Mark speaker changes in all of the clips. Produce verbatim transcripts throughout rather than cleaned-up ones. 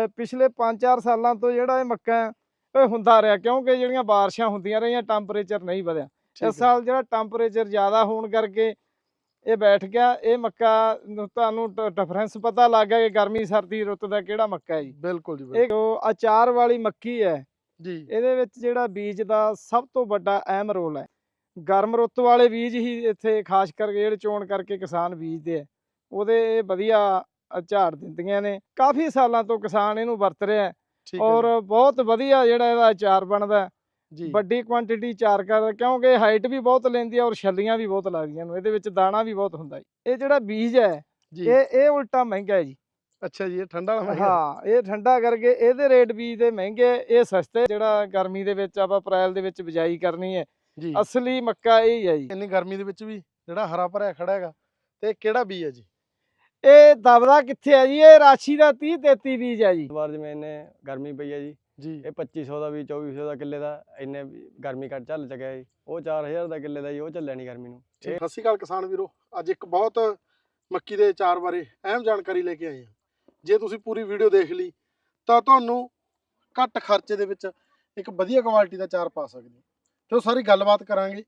Speaker 1: ਪਿਛਲੇ ਪੰਜ ਚਾਰ ਸਾਲਾਂ ਤੋਂ ਜਿਹੜਾ ਇਹ ਮੱਕਾ ਇਹ ਹੁੰਦਾ ਰਿਹਾ, ਕਿਉਂਕਿ ਜਿਹੜੀਆਂ ਬਾਰਿਸ਼ਾਂ ਹੁੰਦੀਆਂ ਰਹੀਆਂ ਟੈਂਪਰੇਚਰ ਨਹੀਂ ਵਧਿਆ। ਇਸ ਸਾਲ ਜਿਹੜਾ ਟੈਂਪਰੇਚਰ ਜ਼ਿਆਦਾ ਹੋਣ ਕਰਕੇ ਇਹ ਬੈਠ ਗਿਆ। ਇਹ ਮੱਕਾ ਨੂੰ ਤੁਹਾਨੂੰ ਡਿਫਰੈਂਸ ਪਤਾ ਲੱਗ ਗਿਆ ਕਿ ਗਰਮੀ ਸਰਦੀ ਰੁੱਤ ਦਾ ਕਿਹੜਾ ਮੱਕਾ ਹੈ ਜੀ।
Speaker 2: ਬਿਲਕੁਲ ਜੀ।
Speaker 1: ਇਹ ਜੋ ਅਚਾਰ ਵਾਲੀ ਮੱਕੀ ਹੈ
Speaker 2: ਜੀ,
Speaker 1: ਇਹਦੇ ਵਿੱਚ ਜਿਹੜਾ ਬੀਜ ਦਾ ਸਭ ਤੋਂ ਵੱਡਾ ਅਹਿਮ ਰੋਲ ਹੈ। ਗਰਮ ਰੁੱਤ ਵਾਲੇ ਬੀਜ ਹੀ ਇੱਥੇ ਖਾਸ ਕਰਕੇ ਜਿਹੜੇ ਚੋਣ ਕਰਕੇ ਕਿਸਾਨ ਬੀਜਦੇ ਆ ਉਹਦੇ ਵਧੀਆ ਝਾੜ ਦਿੰਦੀਆਂ ਨੇ। ਕਾਫੀ ਸਾਲਾਂ ਤੋਂ ਕਿਸਾਨ ਇਹਨੂੰ ਵਰਤ ਰਿਹਾ ਔਰ ਬਹੁਤ ਵਧੀਆ ਜਿਹੜਾ ਇਹਦਾ ਅਚਾਰ ਬਣਦਾ ਜੀ। ਵੱਡੀ ਕੁਆਂਟੀਟੀ ਅਚਾਰ ਕਰਦਾ ਕਿਉਂਕਿ ਹਾਈਟ ਵੀ ਬਹੁਤ ਲੈਂਦੀ ਹੈ ਔਰ ਛੱਲੀਆਂ ਵੀ ਬਹੁਤ ਲੱਗਦੀਆਂ ਨੇ, ਇਹਦੇ ਵਿੱਚ ਦਾਣਾ ਵੀ ਬਹੁਤ ਹੁੰਦਾ ਜੀ। ਇਹ ਜਿਹੜਾ ਬੀਜ ਹੈ ਇਹ ਇਹ ਉਲਟਾ ਮਹਿੰਗਾ ਹੈ ਜੀ।
Speaker 2: ਅੱਛਾ ਜੀ, ਇਹ ਠੰਡਾ ਵਾਲਾ ਮਹਿੰਗਾ?
Speaker 1: ਹਾਂ, ਇਹ ਠੰਡਾ ਕਰਕੇ ਇਹਦੇ ਰੇਟ ਬੀਜ ਦੇ ਮਹਿੰਗੇ, ਇਹ ਸਸਤੇ। ਜਿਹੜਾ ਗਰਮੀ ਦੇ ਵਿੱਚ ਆਪਾਂ ਅਪ੍ਰੈਲ ਦੇ ਵਿੱਚ ਬਿਜਾਈ ਕਰਨੀ ਹੈ ਜੀ, ਅਸਲੀ ਮੱਕਾ ਇਹ ਹੀ ਹੈ ਜੀ।
Speaker 2: ਇੰਨੀ ਗਰਮੀ ਦੇ ਵਿੱਚ ਵੀ ਜਿਹੜਾ ਹਰਾ ਭਰਿਆ ਖੜਾ ਹੈਗਾ, ਤੇ ਕਿਹੜਾ ਬੀਜ ਹੈ ਜੀ?
Speaker 1: ਇਹ ਦਬਦਾ ਕਿੱਥੇ ਹੈ ਜੀ? ਇਹ ਰਾਸ਼ੀ ਦਾ ਤੀਹ ਤੇਤੀ ਬੀਜ ਹੈ ਜੀ।
Speaker 3: ਵਾਰ ਜਿਵੇਂ ਇਹਨੇ ਗਰਮੀ ਪਈ ਹੈ ਜੀ
Speaker 2: ਜੀ,
Speaker 3: ਇਹ ਪੱਚੀ ਸੌ ਦਾ ਵੀ ਚੌਵੀ ਸੌ ਦਾ ਕਿੱਲੇ ਦਾ ਇੰਨੇ ਗਰਮੀ ਘੱਟ ਚੱਲ ਚੁੱਕਿਆ ਜੀ। ਉਹ ਚਾਰ ਹਜ਼ਾਰ ਦਾ ਕਿੱਲੇ ਦਾ ਜੀ, ਉਹ ਚੱਲਿਆ ਨਹੀਂ ਗਰਮੀ ਨੂੰ।
Speaker 2: ਸਤਿ ਸ਼੍ਰੀ ਅਕਾਲ ਕਿਸਾਨ ਵੀਰੋ, ਅੱਜ ਇੱਕ ਬਹੁਤ ਮੱਕੀ ਦੇ ਅਚਾਰ ਬਾਰੇ ਅਹਿਮ ਜਾਣਕਾਰੀ ਲੈ ਕੇ ਆਏ ਹਾਂ। ਜੇ ਤੁਸੀਂ ਪੂਰੀ ਵੀਡੀਓ ਦੇਖ ਲਈ ਤਾਂ ਤੁਹਾਨੂੰ ਘੱਟ ਖਰਚੇ ਦੇ ਵਿੱਚ ਇੱਕ ਵਧੀਆ ਕੁਆਲਿਟੀ ਦਾ ਅਚਾਰ ਪਾ ਸਕਦੇ ਹੋ। ਤੇ ਉਹ ਸਾਰੀ ਗੱਲਬਾਤ ਕਰਾਂਗੇ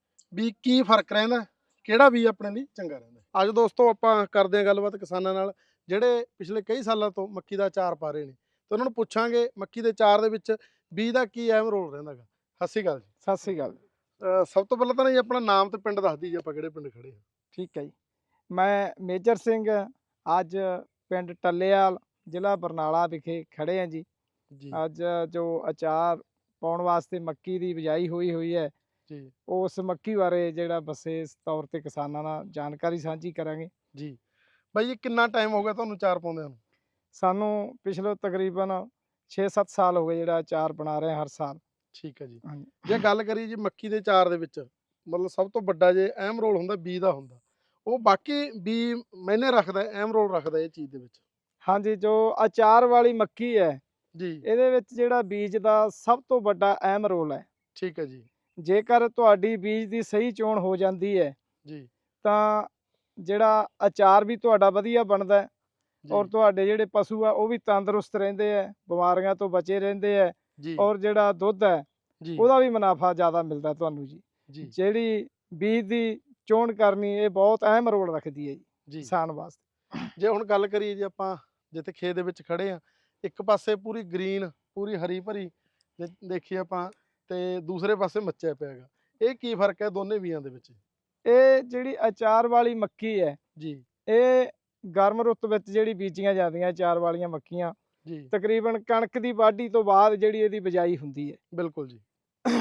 Speaker 2: ਵੀ ਕੀ ਫਰਕ ਰਹਿੰਦਾ, ਕਿਹੜਾ ਵੀ ਆਪਣੇ ਲਈ ਚੰਗਾ ਰਹਿੰਦਾ। ਅੱਜ ਦੋਸਤੋ ਆਪਾਂ ਕਰਦੇ ਹਾਂ ਗੱਲਬਾਤ ਕਿਸਾਨਾਂ ਨਾਲ ਜਿਹੜੇ ਪਿਛਲੇ ਕਈ ਸਾਲਾਂ ਤੋਂ ਮੱਕੀ ਦਾ ਅਚਾਰ ਪਾ ਰਹੇ ਨੇ, ਤੇ ਉਹਨਾਂ ਨੂੰ ਪੁੱਛਾਂਗੇ ਮੱਕੀ ਦੇ ਅਚਾਰ ਦੇ ਵਿੱਚ ਬੀਜ ਦਾ ਕੀ ਅਹਿਮ ਰੋਲ ਰਹਿੰਦਾ ਗਾ। ਸਤਿ ਸ਼੍ਰੀ ਅਕਾਲ ਜੀ।
Speaker 1: ਸਤਿ ਸ਼੍ਰੀ ਅਕਾਲ।
Speaker 2: ਸਭ ਤੋਂ ਪਹਿਲਾਂ ਤਾਂ ਜੀ ਆਪਣਾ ਨਾਮ ਤੇ ਪਿੰਡ ਦੱਸ ਦਈਏ, ਆਪਾਂ ਕਿਹੜੇ ਪਿੰਡ ਖੜੇ ਹਾਂ।
Speaker 1: ਠੀਕ ਹੈ ਜੀ, ਮੈਂ ਮੇਜਰ ਸਿੰਘ ਅੱਜ ਪਿੰਡ ਟੱਲੇਵਾਲ ਜ਼ਿਲ੍ਹਾ ਬਰਨਾਲਾ ਵਿਖੇ ਖੜੇ ਹਾਂ ਜੀ।
Speaker 2: ਜੀ,
Speaker 1: ਅੱਜ ਜੋ ਅਚਾਰ ਪਾਉਣ ਵਾਸਤੇ ਮੱਕੀ ਦੀ ਬਿਜਾਈ ਹੋਈ ਹੋਈ ਹੈ
Speaker 2: ਜੀ,
Speaker 1: ਉਸ ਮੱਕੀ ਬਾਰੇ ਜਿਹੜਾ ਵਿਸ਼ੇਸ਼ ਤੌਰ ਤੇ ਕਿਸਾਨਾਂ ਨਾਲ ਜਾਣਕਾਰੀ ਸਾਂਝੀ ਕਰਾਂਗੇ
Speaker 2: ਜੀ। ਬਾਈ ਜੀ ਕਿੰਨਾ ਟਾਈਮ ਹੋ ਗਿਆ ਤੁਹਾਨੂੰ ਅਚਾਰ ਪਾਉਂਦਿਆਂ ਨੂੰ?
Speaker 1: ਸਾਨੂੰ ਪਿਛਲੇ ਤਕਰੀਬਨ ਛੇ ਸੱਤ ਸਾਲ ਹੋ ਗਏ ਜਿਹੜਾ ਅਚਾਰ ਬਣਾ ਰਹੇ ਹਰ ਸਾਲ।
Speaker 2: ਠੀਕ ਹੈ ਜੀ। ਜੇ ਗੱਲ ਕਰੀਏ ਜੀ ਮੱਕੀ ਦੇ ਅਚਾਰ ਦੇ ਵਿੱਚ ਮਤਲਬ ਸਭ ਤੋਂ ਵੱਡਾ ਜੇ ਅਹਿਮ ਰੋਲ ਹੁੰਦਾ ਬੀਜ ਦਾ ਹੁੰਦਾ, ਉਹ ਬਾਕੀ ਬੀ ਮੈਨੇ ਰੱਖਦਾ ਅਹਿਮ ਰੋਲ ਰੱਖਦਾ ਇਹ ਚੀਜ਼ ਦੇ ਵਿੱਚ?
Speaker 1: ਹਾਂਜੀ, ਜੋ ਅਚਾਰ ਵਾਲੀ ਮੱਕੀ ਹੈ
Speaker 2: ਜੀ,
Speaker 1: ਇਹਦੇ ਵਿੱਚ ਜਿਹੜਾ ਬੀਜ ਦਾ ਸਭ ਤੋਂ ਵੱਡਾ ਅਹਿਮ ਰੋਲ ਹੈ।
Speaker 2: ਠੀਕ ਹੈ ਜੀ।
Speaker 1: ਜੇਕਰ ਤੁਹਾਡੀ ਬੀਜ ਦੀ ਸਹੀ ਚੋਣ ਹੋ ਜਾਂਦੀ ਹੈ
Speaker 2: ਜੀ,
Speaker 1: ਤਾਂ ਜਿਹੜਾ ਅਚਾਰ ਵੀ ਤੁਹਾਡਾ ਵਧੀਆ ਬਣਦਾ ਔਰ ਤੁਹਾਡੇ ਜਿਹੜੇ ਪਸ਼ੂ ਆ ਉਹ ਵੀ ਤੰਦਰੁਸਤ ਰਹਿੰਦੇ ਆ, ਬਿਮਾਰੀਆਂ ਤੋਂ ਬਚੇ ਰਹਿੰਦੇ ਆ ਔਰ ਜਿਹੜਾ ਦੁੱਧ ਹੈ ਉਹਦਾ ਵੀ ਮੁਨਾਫਾ ਜ਼ਿਆਦਾ ਮਿਲਦਾ ਤੁਹਾਨੂੰ ਜੀ। ਜਿਹੜੀ ਬੀਜ ਦੀ ਚੋਣ ਕਰਨੀ ਇਹ ਬਹੁਤ ਅਹਿਮ ਰੋਲ ਰੱਖਦੀ ਹੈ ਜੀ ਕਿਸਾਨ ਵਾਸਤੇ।
Speaker 2: ਜੇ ਹੁਣ ਗੱਲ ਕਰੀਏ ਜੀ ਆਪਾਂ ਜਿੱਥੇ ਖੇਤ ਦੇ ਵਿੱਚ ਖੜੇ ਆ, ਇੱਕ ਪਾਸੇ ਪੂਰੀ ਗ੍ਰੀਨ ਪੂਰੀ ਹਰੀ ਭਰੀ ਦੇਖੀਏ ਆਪਾਂ, ਤੇ ਦੂਸਰੇ ਪਾਸੇ ਮੱਚਿਆ ਪਿਆ ਹੈਗਾ, ਇਹ ਕੀ ਫਰਕ ਹੈ ਦੋਨੇ ਬੀਜਾਂ ਦੇ ਵਿੱਚ?
Speaker 1: ਇਹ ਜਿਹੜੀ ਅਚਾਰ ਵਾਲੀ ਮੱਕੀ ਹੈ ਜੀ, ਇਹ ਗਰਮ ਰੁੱਤ ਵਿੱਚ ਜਿਹੜੀ ਬੀਜੀਆਂ ਜਾਂਦੀਆਂ ਅਚਾਰ ਵਾਲੀਆਂ ਮੱਕੀਆਂ ਜੀ, ਤਕਰੀਬਨ ਕਣਕ ਦੀ ਵਾਢੀ ਤੋਂ ਬਾਅਦ ਜਿਹੜੀ ਇਹਦੀ ਬਿਜਾਈ ਹੁੰਦੀ ਹੈ।
Speaker 2: ਬਿਲਕੁਲ ਜੀ।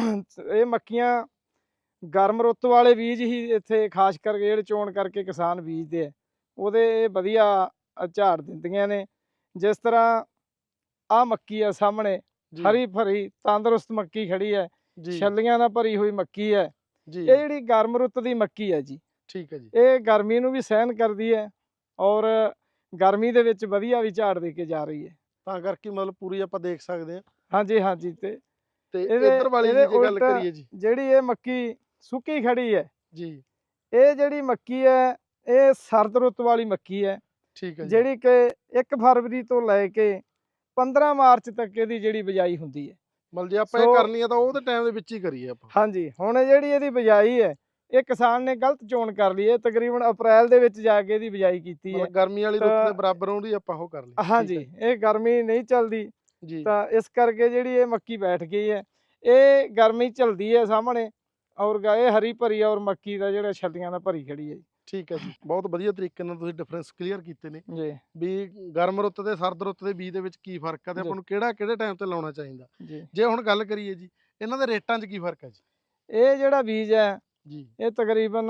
Speaker 1: ਇਹ ਮੱਕੀਆਂ ਗਰਮ ਰੁੱਤ ਵਾਲੇ ਬੀਜ ਹੀ ਇੱਥੇ ਖਾਸ ਕਰਕੇ ਜਿਹੜੇ ਚੋਣ ਕਰਕੇ ਕਿਸਾਨ ਬੀਜਦੇ ਆ ਉਹਦੇ ਵਧੀਆ ਝਾੜ ਦਿੰਦੀਆਂ ਨੇ। ਜਿਸ ਤਰ੍ਹਾਂ ਆਹ ਮੱਕੀ ਆ ਸਾਹਮਣੇ ਹਰੀ ਭਰੀ ਤੰਦਰੁਸਤ ਮੱਕੀ ਖੜੀ ਹੈ, ਛੱਲੀਆਂ ਨਾਲ ਭਰੀ ਹੋਈ ਮੱਕੀ ਹੈ। ਇਹ ਜਿਹੜੀ ਗਰਮ ਰੁੱਤ ਦੀ ਮੱਕੀ ਹੈ ਜੀ। ਠੀਕ ਹੈ ਜੀ। ਇਹ ਗਰਮੀ ਨੂੰ ਵੀ ਸਹਿਣ ਕਰਦੀ ਹੈ ਔਰ ਗਰਮੀ ਦੇ ਵਿੱਚ ਵਧੀਆ ਵੀ ਝਾੜ ਦੇ ਕੇ ਜਾ ਰਹੀ ਹੈ, ਤਾਂ ਕਰਕੇ ਮਤਲਬ ਪੂਰੀ ਆਪਾਂ ਦੇਖ ਸਕਦੇ ਹਾਂ। ਹਾਂਜੀ ਹਾਂਜੀ। ਤੇ ਤੇ ਇਧਰ ਵਾਲੀ ਜੇ ਗੱਲ ਕਰੀਏ ਜੀ, ਜਿਹੜੀ ਇਹ ਮੱਕੀ ਸੁੱਕੀ ਖੜੀ ਹੈ ਜੀ, ਇਹ ਜਿਹੜੀ ਮੱਕੀ ਹੈ ਇਹ ਸਰਦ ਰੁੱਤ ਵਾਲੀ ਮੱਕੀ ਹੈ। ਠੀਕ ਹੈ। ਜਿਹੜੀ ਕਿ ਇੱਕ ਫਰਵਰੀ ਤੋਂ ਲੈ ਕੇ ਪੰਦਰਾਂ ਮਾਰਚ ਤੱਕ ਇਹਦੀ ਜਿਹੜੀ ਬਿਜਾਈ ਹੁੰਦੀ ਹੈ। ਮਤਲਬ ਜੇ ਆਪਾਂ ਇਹ ਕਰਨੀ ਹੈ ਤਾਂ ਉਹਦੇ ਟਾਈਮ ਦੇ ਵਿੱਚ ਹੀ ਕਰੀਏ ਆਪਾਂ। ਹਾਂਜੀ, ਹੁਣ ਜਿਹੜੀ ਇਹਦੀ ਬਿਜਾਈ ਹੈ ਇਹ ਕਿਸਾਨ ਨੇ ਗਲਤ ਚੋਣ ਕਰ ਲਈ ਹੈ, ਤਕਰੀਬਨ ਅਪ੍ਰੈਲ ਦੇ ਵਿੱਚ ਜਾ ਕੇ ਇਹਦੀ ਬਿਜਾਈ ਕੀਤੀ ਹੈ। ਗਰਮੀ ਵਾਲੀ ਰੁੱਤ ਦੇ ਬਰਾਬਰ ਉਹਦੀ ਆਪਾਂ ਉਹ ਕਰ ਲਈ। ਹਾਂਜੀ, ਇਹ ਗਰਮੀ ਨਹੀਂ ਚੱਲਦੀ ਜੀ, ਤਾਂ ਇਸ ਕਰਕੇ ਜਿਹੜੀ ਇਹ ਮੱਕੀ ਬੈਠ ਗਈ ਹੈ। ਇਹ ਗਰਮੀ ਝੱਲਦੀ ਹੈ ਸਾਹਮਣੇ ਔਰ ਇਹ ਹਰੀ ਭਰੀ ਔਰ ਮੱਕੀ ਦਾ ਜਿਹੜਾ ਛੱਲੀਆਂ ਨਾਲ ਭਰੀ ਖੜੀ ਹੈ ਜੀ। ਠੀਕ ਹੈ ਜੀ, ਬਹੁਤ ਵਧੀਆ ਤਰੀਕੇ ਨਾਲ ਤੁਸੀਂ ਡਿਫਰੈਂਸ ਕਲੀਅਰ ਕੀਤੇ ਨੇ ਜੀ, ਵੀ ਗਰਮ ਰੁੱਤ ਤੇ ਸਰਦ ਰੁੱਤ ਦੇ ਬੀਜ ਦੇ ਵਿੱਚ ਕੀ ਫਰਕ ਹੈ ਤੇ ਆਪਾਂ ਨੂੰ ਕਿਹੜਾ ਕਿਹੜੇ ਟਾਈਮ ਤੇ ਲਾਉਣਾ ਚਾਹੀਦਾ। ਜੇ ਹੁਣ ਗੱਲ ਕਰੀਏ ਜੀ ਇਹਨਾਂ ਦੇ ਰੇਟਾਂ 'ਚ ਕੀ ਫਰਕ ਹੈ ਜੀ? ਇਹ ਜਿਹੜਾ ਬੀਜ ਹੈ ਜੀ ਇਹ ਤਕਰੀਬਨ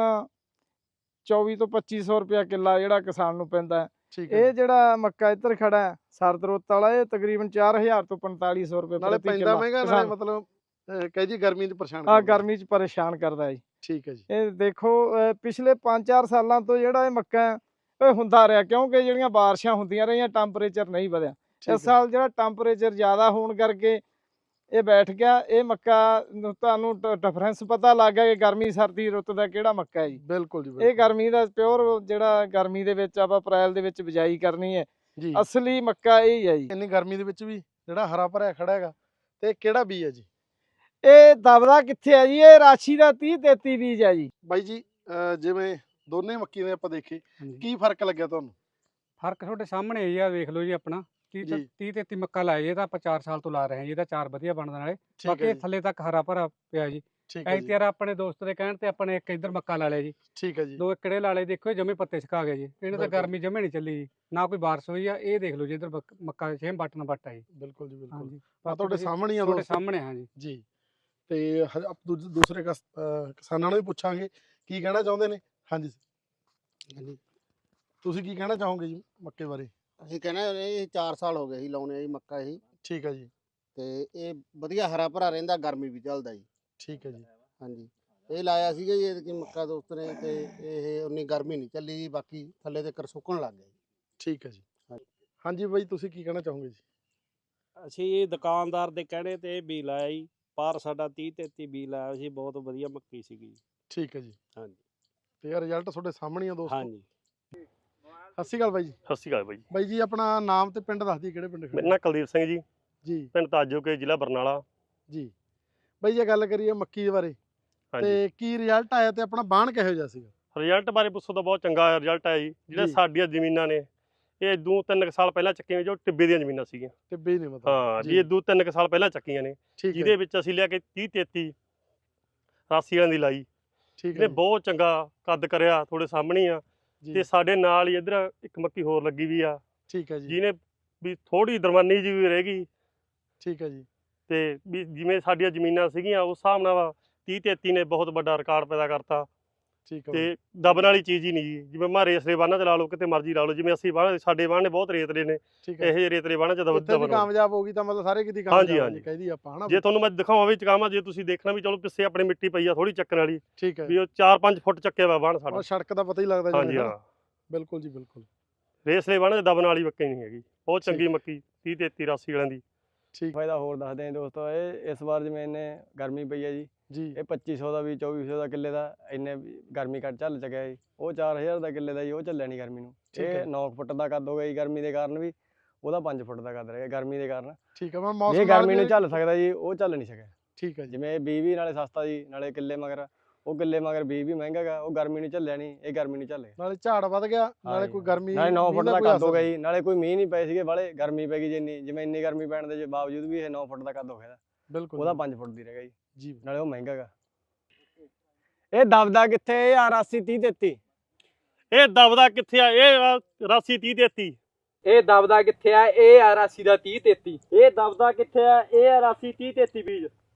Speaker 1: ਚੌਵੀ ਤੋਂ ਪੱਚੀ ਸੌ ਰੁਪਇਆ ਕਿੱਲਾ ਜਿਹੜਾ ਕਿਸਾਨ ਨੂੰ ਪੈਂਦਾ ਹੈ। ਇਹ ਜਿਹੜਾ ਮੱਕਾ ਇੱਧਰ ਖੜਾ ਹੈ ਸਰਦ ਰੁੱਤ ਵਾਲਾ, ਇਹ ਤਕਰੀਬਨ ਚਾਰ ਹਜ਼ਾਰ ਤੋਂ ਪੰਤਾਲੀ ਸੌ ਰੁਪਏ ਨਾਲੇ ਪੈਂਦਾ ਮਹਿੰਗਾ, ਨਾਲੇ ਮਤਲਬ ਕਹੇ ਜੀ ਗਰਮੀ 'ਚ ਪਰੇਸ਼ਾਨ ਆ ਗਰਮੀ 'ਚ ਪਰੇਸ਼ਾਨ ਕਰਦਾ ਜੀ। ਠੀਕ ਹੈ ਜੀ। ਇਹ ਦੇਖੋ ਪਿਛਲੇ ਪੰਜ ਚਾਰ ਸਾਲਾਂ ਤੋਂ ਜਿਹੜਾ ਇਹ ਮੱਕਾ ਇਹ ਹੁੰਦਾ ਰਿਹਾ, ਕਿਉਂਕਿ ਜਿਹੜੀਆਂ ਬਾਰਿਸ਼ਾਂ ਹੁੰਦੀਆਂ ਰਹੀਆਂ ਟੈਂਪਰੇਚਰ ਨਹੀਂ ਵਧਿਆ। ਇਸ ਸਾਲ ਜਿਹੜਾ ਟੈਂਪਰੇਚਰ ਜ਼ਿਆਦਾ ਹੋਣ ਕਰਕੇ ਇਹ ਬੈਠ ਗਿਆ। ਇਹ ਮੱਕਾ ਨੂੰ ਤੁਹਾਨੂੰ ਡਿਫਰੈਂਸ ਪਤਾ ਲੱਗ ਗਿਆ ਕਿ ਗਰਮੀ ਸਰਦੀ ਰੁੱਤ ਦਾ ਕਿਹੜਾ ਮੱਕਾ ਹੈ ਜੀ। ਬਿਲਕੁਲ ਜੀ। ਇਹ ਗਰਮੀ ਦਾ ਪਿਓਰ ਜਿਹੜਾ ਗਰਮੀ ਦੇ ਵਿੱਚ ਆਪਾਂ ਅਪ੍ਰੈਲ ਦੇ ਵਿੱਚ ਬਿਜਾਈ ਕਰਨੀ ਹੈ
Speaker 2: ਜੀ
Speaker 1: ਅਸਲੀ ਮੱਕਾ ਇਹ ਹੀ ਹੈ ਜੀ।
Speaker 2: ਇੰਨੀ ਗਰਮੀ ਦੇ ਵਿੱਚ ਵੀ ਜਿਹੜਾ ਹਰਾ ਭਰਿਆ ਖੜਾ ਹੈਗਾ, ਤੇ ਕਿਹੜਾ ਬੀਜ ਹੈ ਜੀ?
Speaker 1: ਇਹ ਦਬਦਾ ਕਿੱਥੇ ਹੈ ਜੀ? ਇਹ ਰਾਸ਼ੀ ਦਾ ਤੀਹ ਤੇਤੀ ਬੀਜ ਹੈ ਜੀ।
Speaker 2: ਬਾਈ ਜੀ ਅਹ ਜਿਵੇਂ ਦੋਨੇ ਮੱਕੀ ਦੇ ਆਪਾਂ ਦੇਖੇ,
Speaker 4: ਹਾਂਜੀ।
Speaker 2: ਕੀ ਫਰਕ ਲੱਗਿਆ ਤੁਹਾਨੂੰ?
Speaker 4: ਫਰਕ ਤੁਹਾਡੇ ਸਾਹਮਣੇ ਹੀ ਆ, ਵੇਖ ਲਓ ਜੀ। ਆਪਣਾ
Speaker 2: ਜੀ।
Speaker 4: ਤੀਹ ਤੇਤੀ ਮੱਕਾ ਲਾਇਆ ਜੀ, ਇਹਦਾ ਆਪਾਂ ਚਾਰ ਸਾਲ ਤੋਂ ਲਾ ਰਹੇ ਹਾਂ ਜੀ। ਇਹਦਾ ਚਾਰ ਵਧੀਆ ਬਣਦਾ ਨਾਲੇ,
Speaker 2: ਠੀਕ
Speaker 4: ਬਾਕੀ
Speaker 2: ਹੈ
Speaker 4: ਇਹ
Speaker 2: ਜੀ,
Speaker 4: ਥੱਲੇ ਤੱਕ ਹਰਾ ਭਰਾ ਪਿਆ ਜੀ।
Speaker 2: ਠੀਕ ਹੈ ਜੀ,
Speaker 4: ਐਤਿਆਰ ਆਪਣੇ ਦੋਸਤ ਦੇ ਕਹਿਣ ਤੇ ਆਪਣੇ ਇੱਕ ਇੱਧਰ ਮੱਕਾ ਲਾ ਲਿਆ ਜੀ,
Speaker 2: ਠੀਕ ਹੈ ਜੀ,
Speaker 4: ਦੋ ਏਕੜੇ ਲਾ ਲਏ। ਦੇਖੋ ਇਹ ਜਮੇ ਪੱਤੇ ਸੁਕਾ ਗਏ ਜੀ, ਇਹਨੇ ਤਾਂ
Speaker 2: ਬਿਲਕੁਲ।
Speaker 4: ਗਰਮੀ ਜਮੇ ਨਹੀਂ ਚੱਲੀ ਜੀ, ਨਾ ਕੋਈ ਬਾਰਿਸ਼ ਹੋਈ ਆ। ਇਹ ਦੇਖ ਲਓ ਜੀ ਇੱਧਰ ਮੱਕ- ਮੱਕਾ ਛੇਮ ਬੱਟ ਨਾ ਬੱਟ ਆ ਜੀ।
Speaker 2: ਬਿਲਕੁਲ ਜੀ ਬਿਲਕੁਲ।
Speaker 4: ਹਾਂਜੀ,
Speaker 2: ਆ ਤੁਹਾਡੇ
Speaker 4: ਤੁਸੀਂ-
Speaker 2: ਸਾਹਮਣੇ ਹੀ ਆ
Speaker 4: ਤੁਹਾਡੇ
Speaker 2: ਦੋਸਤੋ
Speaker 4: ਸਾਹਮਣੇ ਹਾਂ ਜੀ।
Speaker 2: ਜੀ। ਤੇ ਹ- ਆਪ ਦੂਜ- ਦੂਸਰੇ ਕਸ- ਅਹ ਕਿਸਾਨਾਂ ਨੂੰ ਵੀ ਪੁੱਛਾਂਗੇ ਕੀ ਕਹਿਣਾ ਚਾਹੁੰਦੇ ਨੇ। ਹਾਂਜੀ
Speaker 5: ਹਾਂਜੀ।
Speaker 2: ਤੁਸੀਂ ਕੀ ਕਹਿਣਾ ਚਾਹੋਗੇ ਜੀ ਮੱਕੇ ਬਾਰੇ?
Speaker 5: ਅਸੀਂ ਕਹਿੰਦੇ ਇਹ ਚਾਰ ਸਾਲ ਹੋ ਗਏ ਸੀ ਲਾਉਣੇ ਜੀ ਮੱਕਾ ਇਹ,
Speaker 2: ਠੀਕ ਹੈ ਜੀ,
Speaker 5: ਤੇ ਇਹ ਵਧੀਆ ਹਰਾ ਭਰਾ ਰਹਿੰਦਾ, ਗਰਮੀ ਵੀ ਚੱਲਦਾ ਜੀ।
Speaker 2: ਠੀਕ ਹੈ ਜੀ,
Speaker 5: ਹਾਂਜੀ, ਇਹ ਲਾਇਆ ਸੀਗਾ ਜੀ ਇਹ ਮੱਕਾ ਦੋਸਤ ਨੇ, ਤੇ ਇਹ ਉਨੀ ਗਰਮੀ ਨਹੀਂ ਚੱਲੀ ਜੀ, ਬਾਕੀ ਥੱਲੇ ਤੇ ਕਰ ਸੁੱਕਣ ਲੱਗ ਗਿਆ ਜੀ।
Speaker 2: ਠੀਕ ਹੈ ਜੀ।
Speaker 5: ਹਾਂਜੀ।
Speaker 2: ਹਾਂਜੀ ਬਾਈ ਤੁਸੀਂ ਕੀ ਕਹਿਣਾ ਚਾਹੋਗੇ ਜੀ?
Speaker 6: ਅਸੀਂ ਦੁਕਾਨਦਾਰ ਦੇ ਕਹਿਣੇ ਤੇ ਇਹ ਬੀਜ ਲਾਇਆ ਜੀ, ਪਰ ਸਾਡਾ ਤੀਹ ਤੇਤੀ ਬੀਜ ਲਾਇਆ ਸੀ, ਬਹੁਤ ਵਧੀਆ ਮੱਕੀ ਸੀਗੀ।
Speaker 2: ਠੀਕ ਹੈ ਜੀ।
Speaker 6: ਹਾਂਜੀ।
Speaker 2: ਤੇ ਇਹ ਰਿਜ਼ਲਟ ਤੁਹਾਡੇ ਸਾਹਮਣੇ ਹੀ ਆ ਦੋਸਤੋ।
Speaker 6: ਹਾਂਜੀ।
Speaker 2: ਸਤਿ ਸ਼੍ਰੀ ਅਕਾਲ ਬਾਈ ਜੀ।
Speaker 7: ਸਤਿ ਸ਼੍ਰੀ ਅਕਾਲ ਬਾਈ।
Speaker 2: ਬਾਈ ਜੀ ਆਪਣਾ ਨਾਮ ਤੇ ਪਿੰਡ ਦੱਸ ਦਈਏ, ਕਿਹੜੇ ਪਿੰਡ ਖੜੇ?
Speaker 7: ਮੇਰਾ ਨਾਂ ਕੁਲਦੀਪ ਸਿੰਘ ਜੀ,
Speaker 2: ਜੀ
Speaker 7: ਪਿੰਡ ਤਾਜੋਕੇ, ਜ਼ਿਲ੍ਹਾ ਬਰਨਾਲਾ।
Speaker 2: ਜੀ। ਬਾਈ ਜੇ ਗੱਲ ਕਰੀਏ ਮੱਕੀ ਦੇ ਬਾਰੇ,
Speaker 7: ਹਾਂਜੀ।
Speaker 2: ਤੇ ਕੀ ਰਿਜ਼ਲਟ ਆਇਆ ਤੇ ਆਪਣਾ ਬਾਣ ਕਿਹੋ ਜਿਹਾ ਸੀਗਾ?
Speaker 7: ਰਿਜ਼ਲਟ ਬਾਰੇ ਪੁੱਛੋ ਤਾਂ ਬਹੁਤ ਚੰਗਾ ਰਿਜ਼ਲਟ ਆਇਆ ਜੀ। ਜਿਹੜੇ
Speaker 2: ਜੀ।
Speaker 7: ਸਾਡੀਆਂ ਜ਼ਮੀਨਾਂ ਨੇ ਇਹ ਦੋ ਤਿੰਨ ਕੁ ਸਾਲ ਪਹਿਲਾਂ ਚੱਕੀਆਂ, ਜੋ ਟਿੱਬੇ ਦੀਆਂ ਜ਼ਮੀਨਾਂ ਸੀਗੀਆਂ।
Speaker 2: ਟਿੱਬੇ ਹੀ ਨੇ ਮਤਲਬ।
Speaker 7: ਹਾਂ
Speaker 2: ਜੀ।
Speaker 7: ਜੀ, ਇਹ ਦੋ ਤਿੰਨ ਕੁ ਸਾਲ ਪਹਿਲਾਂ ਚੱਕੀਆਂ ਨੇ,
Speaker 2: ਠੀਕ
Speaker 7: ਜਿਹਦੇ
Speaker 2: ਹੈ
Speaker 7: ਵਿੱਚ ਅਸੀਂ ਲਿਆ ਕੇ ਤੀਹ ਤੇਤੀ ਰਾਸੀ ਵਾਲਿਆਂ ਦੀ ਲਾਈ।
Speaker 2: ਠੀਕ ਹੈ
Speaker 7: ਇਹਨੇ
Speaker 2: ਜੀ,
Speaker 7: ਬਹੁਤ ਚੰਗਾ ਕੱਦ ਕਰਿਆ, ਤੁਹਾਡੇ ਸਾਹਮਣੇ ਹੀ ਆ।
Speaker 2: ਜੀ,
Speaker 7: ਤੇ ਸਾਡੇ ਨਾਲ ਹੀ ਇੱਧਰ ਇੱਕ ਮੱਕੀ ਹੋਰ ਲੱਗੀ ਵੀ ਆ,
Speaker 2: ਠੀਕ ਹੈ ਜੀ,
Speaker 7: ਜਿਹਨੇ ਵੀ ਥੋੜੀ ਦਰਮਾਨੀ ਜੀ ਵੀ ਰਹਿ ਗਈ।
Speaker 2: ਠੀਕ ਹੈ ਜੀ,
Speaker 7: ਤੇ ਵੀ ਜਿਵੇਂ ਸਾਡੀਆਂ ਜ਼ਮੀਨਾਂ ਸੀਗੀਆਂ ਉਸ ਹਿਸਾਬ ਨਾਲ ਤੀਹ ਤੇਤੀ ਨੇ ਬਹੁਤ ਵੱਡਾ ਰਿਕਾਰਡ ਪੈਦਾ ਕਰਤਾ।
Speaker 2: ਠੀਕ ਹੈ ਬਾਈ।
Speaker 7: ਤੇ ਦਬਣ ਵਾਲੀ ਚੀਜ਼ ਹੀ ਨਹੀਂ ਜੀ। ਜਿਵੇਂ ਮਾ ਰੇਸਲੇ ਬਾਨਾਂ ਚ ਲਾ ਲਓ, ਕਿਤੇ ਮਰਜ਼ੀ ਲਾ ਲਓ, ਜਿਵੇਂ ਅਸੀਂ ਬਾਣ ਸਾਡੇ ਬਾਣ ਨੇ ਬਹੁਤ ਰੇਤਲੇ ਨੇ,
Speaker 2: ਠੀਕ
Speaker 7: ਇਹੋ
Speaker 2: ਹੈ।
Speaker 7: ਜਿਹੇ ਰੇਤਲੇ ਬਾਨਾਂ ਚ ਦਬ
Speaker 2: ਇੱਥੇ ਵੀ
Speaker 7: ਦਬਣ।
Speaker 2: ਕਾਮਯਾਬ ਹੋ ਗਈ ਤਾਂ ਮਤਲਬ ਸਾਰੇ ਕਿਤੇ
Speaker 7: ਹਾਂਜੀ,
Speaker 2: ਕਾਮਯਾਬ
Speaker 7: ਹਾਂਜੀ।
Speaker 2: ਹੋ ਕਹਿਦੀ ਆਪਾਂ ਹਨਾ।
Speaker 7: ਜੇ ਤੁਹਾਨੂੰ ਮੈਂ ਦਿਖਾਵਾਂ ਵੀ ਚਕਾਵਾਂ, ਜੇ ਤੁਸੀਂ ਦੇਖਣਾ ਵੀ ਚਲੋ ਪਿੱਛੇ ਆਪਣੇ ਮਿੱਟੀ ਪਈ ਆ ਥੋੜੀ ਚੱਕਣ ਵਾਲੀ,
Speaker 2: ਠੀਕ ਹੈ।
Speaker 7: ਵੀ ਉਹ ਚਾਰ ਪੰਜ ਫੁੱਟ ਚੱਕਿਆ ਵਾ ਬਾਣ ਸਾਡਾ।
Speaker 2: ਔਰ ਸੜਕ ਦਾ ਪਤਾ ਹੀ ਲੱਗਦਾ ਜਿਵੇਂ,
Speaker 7: ਹਾਂਜੀ
Speaker 2: ਹਨਾ?
Speaker 7: ਹਾਂ,
Speaker 2: ਬਿਲਕੁਲ ਜੀ ਬਿਲਕੁਲ।
Speaker 7: ਰੇਸਲੇ ਬਾਨਾਂ ਚ ਦਬਣ ਵਾਲੀ ਮੱਕੀ ਨਹੀਂ ਹੈਗੀ, ਬਹੁਤ
Speaker 2: ਠੀਕ।
Speaker 7: ਚੰਗੀ ਮੱਕੀ ਤੀਹ ਤੇਤੀ ਰਾਸੀ ਵਾਲਿਆਂ ਦੀ।
Speaker 2: ਠੀਕ
Speaker 3: ਫਾਇਦਾ ਹੋਰ ਦੱਸਦੇ ਹਾਂ ਦੋਸਤੋ। ਇਹ ਇਸ ਵਾਰ ਜਿਵੇਂ ਇਹਨੇ ਗਰਮੀ ਪਈ ਹੈ ਜੀ,
Speaker 2: ਜੀ,
Speaker 3: ਇਹ ਪੱਚੀ ਸੌ ਦਾ ਵੀ ਚੌਵੀ ਸੌ ਦਾ ਕਿੱਲੇ ਦਾ ਇੰਨੇ ਵੀ ਗਰਮੀ ਕੱਟ ਚੱਲ ਚੁੱਕਿਆ ਜੀ। ਉਹ ਚਾਰ ਹਜ਼ਾਰ ਦਾ ਕਿੱਲੇ ਦਾ ਜੀ, ਉਹ ਚੱਲਿਆ ਨਹੀਂ ਗਰਮੀ ਨੂੰ।
Speaker 2: ਠੀਕ ਹੈ।
Speaker 3: ਇਹ ਨੌ ਫੁੱਟ ਦਾ ਕੱਦ ਹੋ ਗਿਆ ਜੀ ਗਰਮੀ ਦੇ ਕਾਰਨ ਵੀ, ਉਹਦਾ ਪੰਜ ਫੁੱਟ ਦਾ ਕੱਦ ਰਹਿ ਗਿਆ ਗਰਮੀ ਦੇ ਕਾਰਨ।
Speaker 2: ਠੀਕ ਹੈ। ਮੈਂ
Speaker 3: ਜੇ
Speaker 2: ਮੌਸਮ ਨਾਲ
Speaker 3: ਗਰਮੀ ਨੂੰ
Speaker 2: ਵੀ-
Speaker 3: ਝੱਲ ਸਕਦਾ ਜੀ, ਉਹ ਚੱਲ ਨਹੀਂ ਸਕਿਆ।
Speaker 2: ਠੀਕ ਹੈ ਜੀ,
Speaker 3: ਜਿਵੇਂ ਇਹ ਬੀਜ ਵੀ ਨਾਲੇ ਸਸਤਾ ਜੀ, ਨਾਲੇ ਕਿੱਲੇ ਮਗਰ ਉਹ ਕਿੱਲੇ ਮਗਰ ਬੀਜ ਵੀ ਮਹਿੰਗਾ ਗਾ, ਉਹ ਗਰਮੀ ਨੂੰ ਝੱਲਿਆ ਨਹੀਂ, ਇਹ ਗਰਮੀ ਨੂੰ ਝੱਲ ਗਿਆ।
Speaker 2: ਨਾਲੇ ਝਾੜ ਵੱਧ ਗਿਆ, ਨਾਲੇ
Speaker 3: ਹਾਂਜੀ।
Speaker 2: ਕੋਈ ਗਰਮੀ
Speaker 3: ਨਾਲੇ ਨੌ
Speaker 2: ਮੀਂਹ
Speaker 3: ਫੁੱਟ ਦਾ
Speaker 2: ਕੋਈ
Speaker 3: ਕੱਦ ਹੋ ਗਿਆ
Speaker 2: ਅਸਰ
Speaker 3: ਜੀ, ਨਾਲੇ ਕੋਈ ਮੀਂਹ ਨਹੀਂ ਪਏ ਸੀਗੇ ਵਾਲੇ, ਗਰਮੀ ਪੈ ਗਈ ਜਿੰਨੀ, ਜਿਵੇਂ ਇੰਨੀ ਗਰਮੀ ਪੈਣ ਦੇ ਬਾਵਜੂਦ ਵੀ ਇਹ ਨੌ ਫੁੱਟ ਦਾ ਕੱਦ ਹੋ ਗਿਆ।
Speaker 2: ਬਿਲਕੁਲ
Speaker 3: ਉਹਦਾ
Speaker 2: ਜੀ।
Speaker 3: ਪੰਜ ਫੁੱਟ ਦੀ ਰਹਿ ਗਿਆ ਜੀ,
Speaker 2: ਜੀ
Speaker 3: ਨਾਲੇ ਉਹ ਮਹਿੰਗਾ ਗਾ। ਇਹ ਦਬਦਾ ਕਿੱਥੇ? ਇਹ ਆ ਰਾਸੀ ਤੀਹ ਤੇਤੀ।
Speaker 7: ਇਹ ਦਬਦਾ ਕਿੱਥੇ ਆ? ਇਹ ਆ ਰਾਸੀ ਤੀਹ ਤੇਤੀ।
Speaker 8: ਇਹ ਦਬਦਾ ਕਿੱਥੇ ਆ? ਇਹ ਆ ਰਾਸੀ ਦਾ ਤੀਹ ਤੇਤੀ।
Speaker 7: ਇਹ ਦਬਦਾ ਕਿੱਥੇ ਆ? ਇਹ ਆ ਰਾਸੀ ਤੀਹ ਤੇਤੀ ਬੀਜ।